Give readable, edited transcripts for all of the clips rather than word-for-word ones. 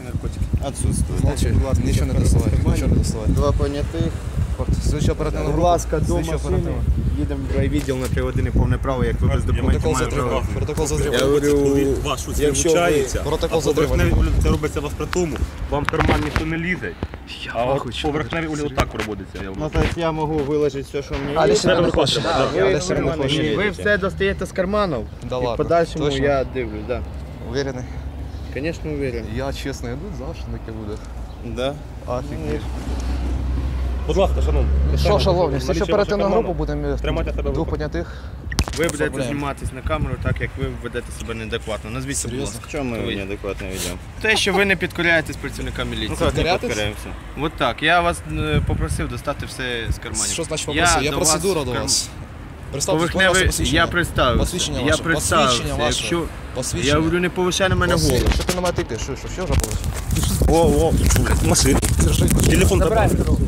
наркотики? Отсутствует. Молчи, нічого не доставай, нічого не доставай. Два понятих. Слідчо оперативна Будь група. ласка, до машини. Їдемо в райвідділ на 3 години повне право, як ви без документів Протокол маєте право. затримання. Протокол Я затримання. говорю, Вас щось якщо ви... вилучається, Протокол а затримання. поверхневі це робиться вас при тому, вам в карман ніхто не лізе, а от поверхневі отак проводиться. Ну, тобто я можу виложити все, що мені Але є. себе не хоче. Але себе не Ви хоче. все достаєте з карманів, Да і в ладно. подальшому Точно? я дивлюсь, так. Уверений? Звісно, уверен. Я чесно йду, завжди таке буде. Да. Офігеть. Будь ласка, шановні. Що, шановні, слідчо Налічуємо оперативну вашу групу будемо Тримайте себе в двох руках. понятих. Ви будете Проблем. зніматись на камеру так, як ви ведете себе неадекватно. Назвіться, будь ласка. В чому ми неадекватно ведемо? Те, що ви не підкоряєтесь працівникам міліції. Ну, как не Підкоряєтесь? підкоряємося? От так. Я вас попросив достати все з карманів. Що значить попросив? Я до процедура вас до в вас. Представте, Поверхневий, посвідчення. я представився. Посвідчення Я ваше. представився. Посвідчення ваше. Якщо... Посвідчення. Я говорю, не повишай на мене голову. Що ти на мене тикаєш? Що вже було? О, машину. Телефон забрав.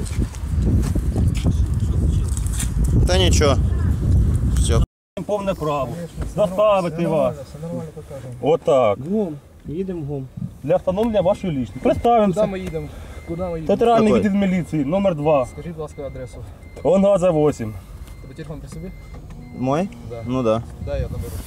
Та нічого. Все. Повне право. Заставити вас. Отак. Гом. Їдемо гом. Для встановлення вашої лічності. Представимося. Ми їдемо. Куди ми їдемо? Театральний Какой? відділ міліції, номер 2. Скажіть, будь ласка, адресу. Онгаза 8. Тебе телефон при собі? Мой? Да. Ну да. Дай я наберу.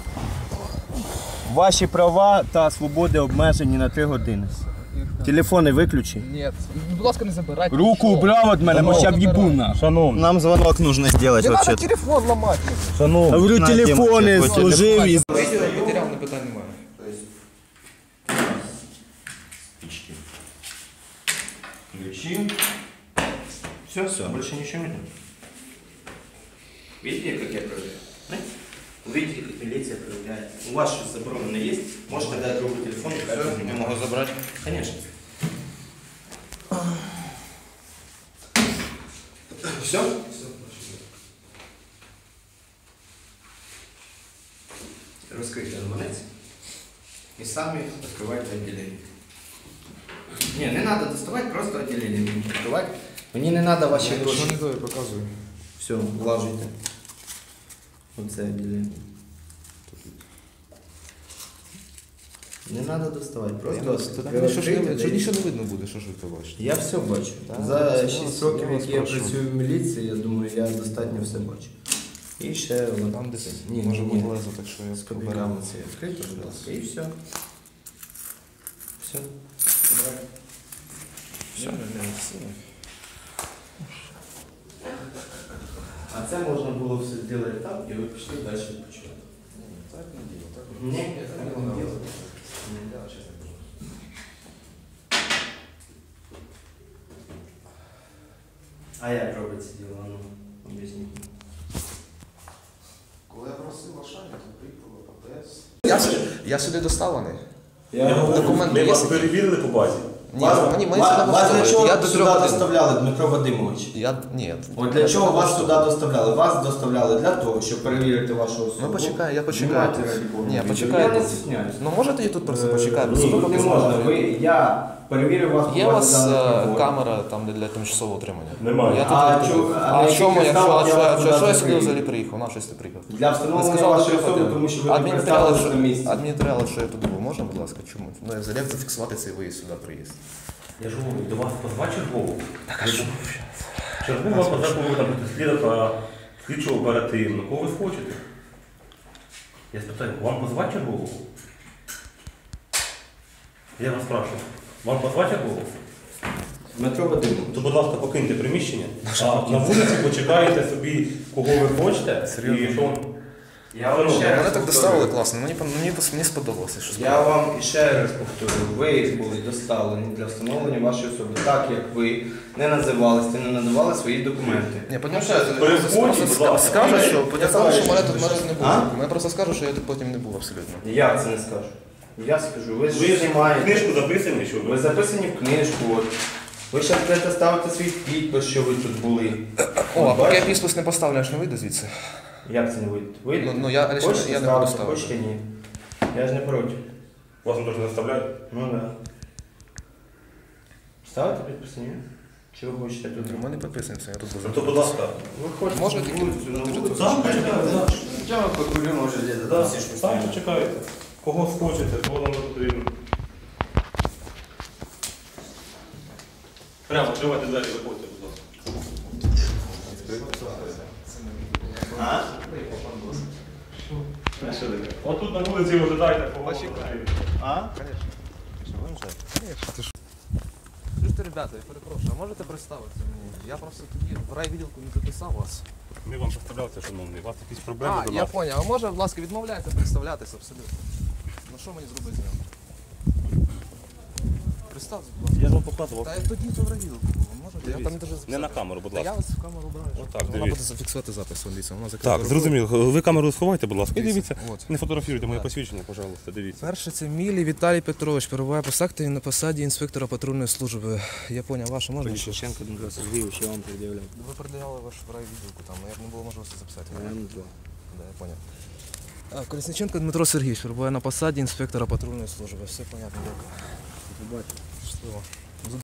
Ваші права та свободи обмежені на 3 години. Телефони виключи. Ні. Будь ласка, не забирайте. Руку убрав від мене, бо ще в'їбу наш. Шановні, Нам звонок нужно сделать Не вообще. треба телефон ламати. шановні. Говорю, На телефони тему, служив і... Матеріал не питань немає. Ключи. Все, больше ничего нет. Видите, как я проверяю? Увидите, как милиция проверяет. У вас что забронено есть? Можете дать другу телефон, я могу забрать. Конечно. Все? Раскройте гаманець и сами открывайте отделение. Не надо доставать, просто отделение будем открывать. Мне не надо ваши гроши. Що не даю, показую. Все, влажуйте. Оце відділення. Не треба доставати, просто Що нічого не видно буде, що ж ви побачите. Я все бачу. За 6 років, які я працюю в міліції, я думаю, я достатньо все бачу. І ще Там десь Ні, може ні. бути лезо, так що я з поберу. копійками це відкрито, будь ласка, і все. Все. А це можна було все зробити так, і ви пішли далі відпочивати. Так не діло, так? Ні, так не діло. А як робиться діло? Ну, об'ясніть. Коли я просив Ашані, то приїхала ППС. Я сюди доставлений. Документи Ми є? вас перевірили по базі. Ні, мені сюди Вас для чого Я до сюди 3 годин. доставляли, Дмитро Вадимович? Ні. От для чого вас сюди доставляли? Вас доставляли для того, щоб перевірити вашу особу. Ну почекай, я почекаю. Знімайте, раді Бога. Ні, Я почекаю. не стісняюсь. Ну можете я тут просто почекаю? Ні, тут не можна. Я перевірив вас по Є у базі вас даних приборів. камера там для тимчасового утримання? Немає. Я тут А не чому- туди. а на яких чому, підставах я вас що я туди сюди закрию? взагалі приїхав? На щось ти приїхав? Для Ви встановлення сказали, вашої що особи, тому що ви не представилися на місці. Адмінматеріали, що я туди був, можна, будь ласка, чому? Ну, я взагалі зафіксувати цей виїзд сюди, приїзд. Я ж говорю, до вас позва чергову. Так, а що? Чергова позва повинна бути слідчо оперативно. Кого ви хочете? Я спитаю, вам позва чергову? Я вас спрашиваю, вам позва чергову? Дмитро Вадимович. То, будь ласка, покиньте приміщення, а на вулиці почекаєте собі, кого ви хочете. Серйозно? І що? Я вам ще Мене раз так повторюю. доставили класно, мені сподобалося. Що Я вам ще раз повторюю, ви були доставлені для встановлення вашої особи, так як ви не називалися, не надавали свої документи. Ні, потім переходьте, будь ласка. скажуть, що Я мене тут не було. А? Мене просто скажуть, що я тут потім не був абсолютно. Я це не скажу. Я скажу, ви ж Ви знімаєте. книжку записані, що Ви ви? записані в книжку. От. Ви ще будете ставити свій підпис, що ви тут були. О, а поки я Бачите? підпис не поставлю, аж не вийду звідси. Як це не вийде? Вийде? Ну, я Хочете не буду ставити, ставити. хочете ні. Я ж не проти. Вас теж не заставляють? Ну так. Да. Ставите підпис, ні? Чи ви хочете тут? Ми не підписуємося, я тут буду. То, будь ласка. Ви хочете? Можна тільки Так, почекайте. Чого ви покурю, може, десь Так, почекайте. Кого схочете, кого вам не потрібно. Прямо відкривайте двері, виходьте, будь ласка. Отут на вулиці ви дайте побачите. Слушайте, ребята, я перепрошую, а можете представитися мені? Я просто тоді в райвідділку не записав вас. Ми вам представлялися, шановний. У вас якісь проблеми А, до я нас? поняв. А може, будь ласка, відмовляйте представлятися абсолютно. Ну що мені зробити з ним? Представте, будь ласка. Я ж вам показував. Та я тоді то в райвідділку було, можете? Я там не дуже записати. Не на камеру, будь Та я ласка. вас в камеру браю. Отак, Вона дивіться. буде зафіксувати запис, дивіться. Вона закрита. Так, зрозуміло. Ви камеру сховайте, будь ласка, і Дивіться, дивіться. от. Не фотографіруйте моє Так. посвідчення, пожалуйста, дивіться. Перше це Мілій Віталій Петрович, перебуває по секторі на посаді інспектора патрульної служби. Я поняв, ваше можна? Колесниченко Дмитро Сергійович, я вам пред'являв. Ви передавали ваш в райвідділку там, я б не було можливості записати. Да, я поняв. Колесниченко Дмитро Сергійович перебуває на посаді інспектора патрульної служби. Все понятно, дякую. Щасливо.